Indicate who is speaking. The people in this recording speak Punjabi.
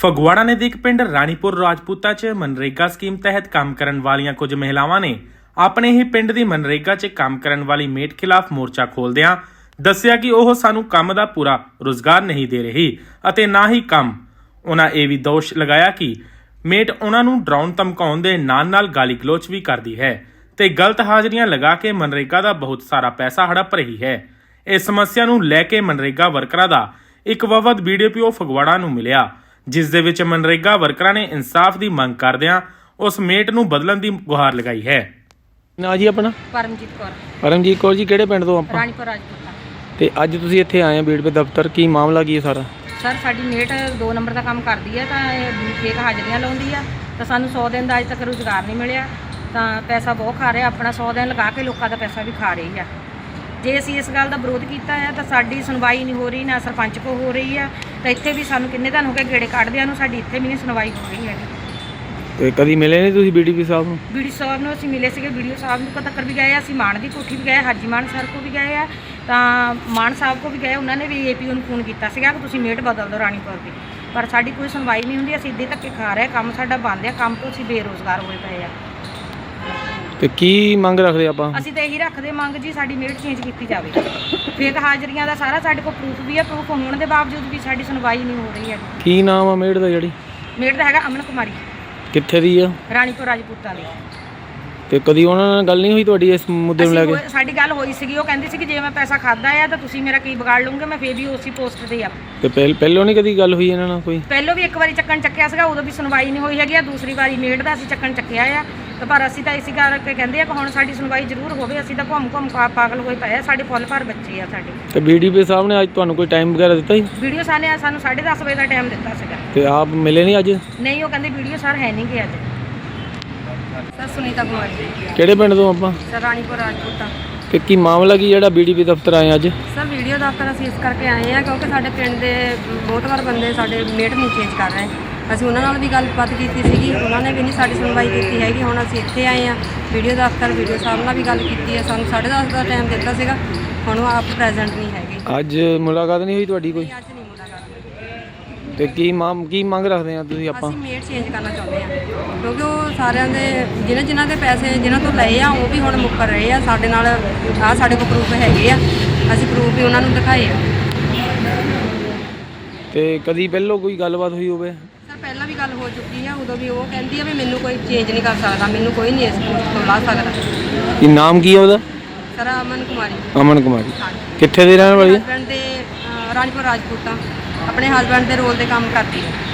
Speaker 1: ਫਗਵਾੜਾ ਨਜ਼ਦੀਕ ਪਿੰਡ ਰਾਣੀਪੁਰ ਰਾਜਪੂਤਾ 'ਚ ਮਨਰੇਗਾ ਸਕੀਮ ਤਹਿਤ ਕੰਮ ਕਰਨ ਵਾਲੀਆਂ ਕੁਝ ਮਹਿਲਾਵਾਂ ਨੇ ਆਪਣੇ ਹੀ ਪਿੰਡ ਦੀ ਮਨਰੇਗਾ 'ਚ ਕੰਮ ਕਰਨ ਵਾਲੀ ਮੇਟ ਖਿਲਾਫ ਮੋਰਚਾ ਖੋਲ੍ਹਦਿਆਂ ਦੱਸਿਆ ਕਿ ਉਹ ਸਾਨੂੰ ਕੰਮ ਦਾ ਪੂਰਾ ਰੁਜ਼ਗਾਰ ਨਹੀਂ ਦੇ ਰਹੀ ਅਤੇ ਨਾ ਹੀ ਕੰਮ। ਉਹਨਾਂ ਇਹ ਵੀ ਦੋਸ਼ ਲਗਾਇਆ ਕਿ ਮੇਟ ਉਹਨਾਂ ਨੂੰ ਡਰਾਉਣ ਧਮਕਾਉਣ ਦੇ ਨਾਲ ਗਾਲੀ ਗਲੋਚ ਵੀ ਕਰਦੀ ਹੈ ਤੇ ਗਲਤ ਹਾਜ਼ਰੀਆਂ ਲਗਾ ਕੇ ਮਨਰੇਗਾ ਦਾ ਬਹੁਤ ਸਾਰਾ ਪੈਸਾ ਹੜਪ ਰਹੀ ਹੈ। ਇਸ ਸਮੱਸਿਆ ਨੂੰ ਲੈ ਕੇ ਮਨਰੇਗਾ ਵਰਕਰਾਂ ਦਾ ਇੱਕ ਵਫਦ BDPO ਫਗਵਾੜਾ ਨੂੰ ਮਿਲਿਆ, ਜਿਸ ਦੇ ਵਿੱਚ ਮਨਰੇਗਾ ਵਰਕਰਾਂ ਨੇ ਇਨਸਾਫ ਦੀ ਮੰਗ ਕਰਦਿਆਂ ਉਸ ਮੇਟ ਨੂੰ ਬਦਲਣ ਦੀ ਗੁਹਾਰ ਲਗਾਈ ਹੈ।
Speaker 2: ਨਾ ਜੀ ਆਪਣਾ
Speaker 3: ਪਰਮਜੀਤ ਕੌਰ
Speaker 2: ਜੀ ਕਿਹੜੇ ਪਿੰਡ ਤੋਂ ਆਪਾਂ?
Speaker 3: ਰਾਣੀਪੁਰ ਰਾਜਪੂਤਾ।
Speaker 2: ਤੇ ਅੱਜ ਤੁਸੀਂ ਇੱਥੇ ਆਏ ਆ BDPO ਦਫ਼ਤਰ, ਕੀ ਮਾਮਲਾ ਕੀ ਹੈ ਸਾਰਾ?
Speaker 3: ਸਰ ਸਾਡੀ ਮੇਟ 2 ਨੰਬਰ ਦਾ ਕੰਮ ਕਰਦੀ ਹੈ ਤਾਂ ਇਹ ਫੇਕ ਹਾਜ਼ਰੀਆਂ ਲਾਉਂਦੀ ਆ ਤਾਂ ਸਾਨੂੰ 100 ਦਿਨ ਦਾ ਅਜੇ ਤੱਕ ਰੁਜ਼ਗਾਰ ਨਹੀਂ ਮਿਲਿਆ ਤਾਂ ਪੈਸਾ ਬਹੁਤ ਖਾ ਰਿਹਾ, ਆਪਣਾ 100 ਦਿਨ ਲਗਾ ਕੇ ਲੋਕਾਂ ਦਾ ਪੈਸਾ ਵੀ ਖਾ ਰਹੀ ਆ। ਜੇ ਅਸੀਂ ਇਸ ਗੱਲ ਦਾ ਵਿਰੋਧ ਕੀਤਾ ਹੈ ਤਾਂ ਸਾਡੀ ਸੁਣਵਾਈ ਨਹੀਂ ਹੋ ਰਹੀ, ਨਾ ਸਰਪੰਚ ਕੋ ਹੋ ਰਹੀ ਆ ਤਾਂ ਇੱਥੇ ਵੀ ਸਾਨੂੰ ਕਿੰਨੇ ਦਿਨ ਹੋ ਗਏ ਗੇੜੇ ਕੱਢਦਿਆਂ ਨੂੰ, ਸਾਡੀ ਇੱਥੇ ਵੀ ਨਹੀਂ ਸੁਣਵਾਈ ਹੋ ਰਹੀ ਹੈਗੀ।
Speaker 2: ਤੇ ਕਦੀ ਮਿਲੇ ਨਹੀਂ ਤੁਸੀਂ BDPO ਸਾਹਿਬ ਨੂੰ?
Speaker 3: BDPO ਸਾਹਿਬ ਨੂੰ ਅਸੀਂ ਮਿਲੇ ਸੀਗੇ, BDPO ਸਾਹਿਬ ਨੂੰ ਤੱਕ ਵੀ ਗਏ, ਅਸੀਂ ਮਾਨ ਦੀ ਕੋਠੀ ਵੀ ਗਏ, ਹਾਜੀ ਮਾਨ ਸਰ ਕੋ ਵੀ ਗਏ ਆ, ਤਾਂ ਮਾਨ ਸਾਹਿਬ ਕੋ ਵੀ ਗਏ, ਉਹਨਾਂ ਨੇ ਵੀ APO ਨੂੰ ਫੋਨ ਕੀਤਾ ਸੀਗਾ ਕਿ ਤੁਸੀਂ ਮੇਟ ਬਦਲ ਦਿਓ ਰਾਣੀਪੁਰ ਦੀ, ਪਰ ਸਾਡੀ ਕੋਈ ਸੁਣਵਾਈ ਨਹੀਂ ਹੁੰਦੀ। ਅਸੀਂ ਇੱਦਾਂ ਧੱਕੇ ਖਾ ਰਹੇ, ਕੰਮ ਸਾਡਾ ਬੰਦ ਆ, ਕੰਮ ਤੋਂ ਅਸੀਂ ਬੇਰੁਜ਼ਗਾਰ ਹੋਏ ਪਏ ਆ।
Speaker 2: ਤੇ ਕੀ ਮੰਗ ਰੱਖਦੇ ਆਪਾਂ?
Speaker 3: ਅਸੀਂ ਤਾਂ ਇਹੀ ਰੱਖਦੇ ਮੰਗ ਜੀ, ਸਾਡੀ ਮੇਟ ਚੇਂਜ ਕੀਤੀ ਜਾਵੇ। ਫੇਕ ਹਾਜ਼ਰੀਆਂ ਦਾ ਸਾਰਾ ਸਾਡੇ ਕੋਲ ਪ੍ਰੂਫ ਵੀ ਹੈ, ਪ੍ਰੂਫ ਹੋਣ ਦੇ ਬਾਵਜੂਦ ਵੀ ਸਾਡੀ ਸੁਣਵਾਈ ਨਹੀਂ ਹੋ ਰਹੀ ਹੈ।
Speaker 2: ਕੀ ਨਾਮ ਆ ਮੇਟ ਦਾ? ਜਿਹੜੀ
Speaker 3: ਮੇਟ ਦਾ ਹੈਗਾ ਅਮਨ ਕੁਮਾਰੀ।
Speaker 2: ਕਿੱਥੇ ਦੀ ਆ?
Speaker 3: ਰਾਣੀਪੁਰ ਰਾਜਪੂਤਾਂ ਦੀ।
Speaker 2: ਤੇ ਕਦੀ ਉਹਨਾਂ ਨਾਲ ਗੱਲ ਨਹੀਂ ਹੋਈ ਤੁਹਾਡੀ ਇਸ ਮੁੱਦੇ ਨੂੰ ਲੈ ਕੇ?
Speaker 3: ਸਾਡੀ ਗੱਲ ਹੋਈ ਸੀਗੀ, ਉਹ ਕਹਿੰਦੀ ਸੀ ਕਿ ਜੇ ਮੈਂ ਪੈਸਾ ਖਾਦਾ ਆ ਤਾਂ ਤੁਸੀਂ ਮੇਰਾ ਕੀ ਵਿਗਾੜ ਲਓਗੇ, ਮੈਂ ਫੇਰ ਵੀ ਉਸੇ ਪੋਸਟ ਤੇ ਆ।
Speaker 2: ਤੇ ਪਹਿਲੋਂ ਨਹੀਂ ਕਦੀ ਗੱਲ ਹੋਈ ਇਹਨਾਂ ਨਾਲ ਕੋਈ?
Speaker 3: ਪਹਿਲੋਂ ਵੀ ਇੱਕ ਵਾਰੀ ਚੱਕਣ ਚੱਕਿਆ ਸੀਗਾ, ਉਦੋਂ ਵੀ ਸੁਣਵਾਈ ਨਹੀਂ ਹੋਈ ਹੈਗੀ ਆ। ਦੂਸਰੀ ਵਾਰੀ ਮੇਟ ਦਾ ਅਸੀਂ ਚੱਕਣ ਚੱਕਿਆ ਆ ਤਾਂ ਪਰ ਅਸੀਂ ਤਾਂ ਇਸੇ ਕਰਕੇ ਕਹਿੰਦੇ ਆ ਕਿ ਹੁਣ ਸਾਡੀ ਸੁਣਵਾਈ ਜ਼ਰੂਰ ਹੋਵੇ। ਅਸੀਂ ਤਾਂ ਘੁੰਮ ਪਾਗਲ ਹੋਏ ਪਏ ਆ, ਸਾਡੇ ਫੁੱਲ ਭਰ ਬੱਚੇ ਆ ਸਾਡੇ।
Speaker 2: ਤੇ BDPO ਸਾਹਿਬ ਨੇ ਅੱਜ ਤੁਹਾਨੂੰ ਕੋਈ ਟਾਈਮ ਵਗੈਰਾ ਦਿੱਤਾ ਜੀ?
Speaker 3: BDPO ਸਾਹਿਬ ਨੇ ਸਾਨੂੰ 10:30 ਵਜੇ ਦਾ ਟਾਈਮ ਦਿੱਤਾ ਸੀਗਾ।
Speaker 2: ਤੇ ਆਪ ਮਿਲੇ ਨਹੀਂ ਅੱਜ?
Speaker 3: ਨਹੀਂ, ਉਹ ਕਹਿੰਦੇ BDPO ਸਰ ਹੈ ਨਹੀਂ ਗੇ ਅੱਜ। ਸਰ ਸੁਨੀਤਾ ਕੁਮਾਰੀ।
Speaker 2: ਕਿਹੜੇ ਪਿੰਡ ਤੋਂ ਆਪਾਂ?
Speaker 3: ਸਰ ਰਾਣੀਪੁਰ ਰਾਜਪੂਤਾ।
Speaker 2: ਤੇ ਕੀ ਮਾਮਲਾ ਕੀ ਜਿਹੜਾ BDPO ਦਫ਼ਤਰ ਆਏ ਅੱਜ?
Speaker 3: ਸਰ ਵੀਡੀਓ ਦਫ਼ਤਰ ਅਸੀਂ ਇਸ ਕਰਕੇ ਆਏ ਆ ਕਿਉਂਕਿ ਸਾਡੇ ਪਿੰਡ ਦੇ ਬਹੁਤ ਵਾਰ ਬੰਦੇ ਸਾਡੇ ਮੇਟ ਨਹੀਂ ਚੇਂਜ ਕਰ ਰਹੇ। ਅਸੀਂ ਉਹਨਾਂ ਨਾਲ ਵੀ ਗੱਲਬਾਤ ਕੀਤੀ ਸੀਗੀ, ਉਹਨਾਂ ਨੇ ਵੀ ਨਹੀਂ ਸਾਡੀ ਸੁਣਵਾਈ ਕੀਤੀ ਹੈਗੀ। ਹੁਣ ਅਸੀਂ ਇੱਥੇ ਆਏ ਆ ਵੀਡੀਓ ਦਫ਼ਤਰ, BDPO ਸਾਹਿਬ ਨਾਲ ਵੀ ਗੱਲ ਕੀਤੀ ਹੈ, ਸਾਨੂੰ 10:30 ਦਾ ਟਾਈਮ ਦਿੱਤਾ ਸੀਗਾ, ਹੁਣ ਉਹ ਆਪ ਪ੍ਰੈਜ਼ੈਂਟ ਨਹੀਂ ਹੈਗੇ।
Speaker 2: ਅੱਜ ਮੁਲਾਕਾਤ ਨਹੀਂ ਹੋਈ ਤੁਹਾਡੀ ਕੋਈ?
Speaker 3: ਅੱਜ ਨਹੀਂ ਮੁਲਾਕਾਤ ਹੋਈ।
Speaker 2: ਤੇ ਕੀ ਮੰਗ ਰੱਖਦੇ ਆ ਤੁਸੀਂ? ਆਪਾਂ
Speaker 3: ਅਸੀਂ ਮੇਟ ਚੇਂਜ ਕਰਨਾ ਚਾਹੁੰਦੇ ਆ ਕਿਉਂਕਿ ਉਹ ਸਾਰਿਆਂ ਦੇ ਜਿਨ੍ਹਾਂ ਦੇ ਪੈਸੇ ਜਿਨ੍ਹਾਂ ਤੋਂ ਲਏ ਆ ਉਹ ਵੀ ਹੁਣ ਮੁੱਕਰ ਰਹੇ ਆ ਸਾਡੇ ਨਾਲ। ਆਹ ਸਾਡੇ ਕੋਲ ਪ੍ਰੂਫ ਹੈਗੇ ਆ, ਅਸੀਂ ਪ੍ਰੂਫ ਵੀ ਉਹਨਾਂ ਨੂੰ ਦਿਖਾਏ ਆ।
Speaker 2: ਤੇ ਕਦੀ ਪਹਿਲੋਂ ਕੋਈ ਗੱਲਬਾਤ ਹੋਈ ਹੋਵੇ?
Speaker 3: ਸਰ ਪਹਿਲਾਂ ਵੀ ਗੱਲ ਹੋ ਚੁੱਕੀ ਆ, ਉਦੋਂ ਵੀ ਉਹ ਕਹਿੰਦੀ ਆ ਵੀ ਮੈਨੂੰ ਕੋਈ ਚੇਂਜ ਨਹੀਂ ਕਰ ਸਕਦਾ, ਮੈਨੂੰ ਕੋਈ ਨਹੀਂ ਇਸ ਪੋਸਟ ਤੋਂ ਲਾ ਸਕਦਾ।
Speaker 2: ਕੀ ਨਾਮ ਕੀ ਹੈ ਉਹਦਾ?
Speaker 3: ਸਰ ਅਮਨ ਕੁਮਾਰੀ।
Speaker 2: ਅਮਨ ਕੁਮਾਰੀ ਕਿੱਥੇ ਦੇ ਰਹਿਣ ਵਾਲੀ ਹੈ?
Speaker 3: ਹਸਬੈਂਡ ਦੇ ਰਾਣੀਪੁਰ ਰਾਜਪੂਤਾਂ, ਆਪਣੇ ਹਸਬੈਂਡ ਦੇ ਰੋਲ ਤੇ ਕੰਮ ਕਰਦੀ ਹੈ।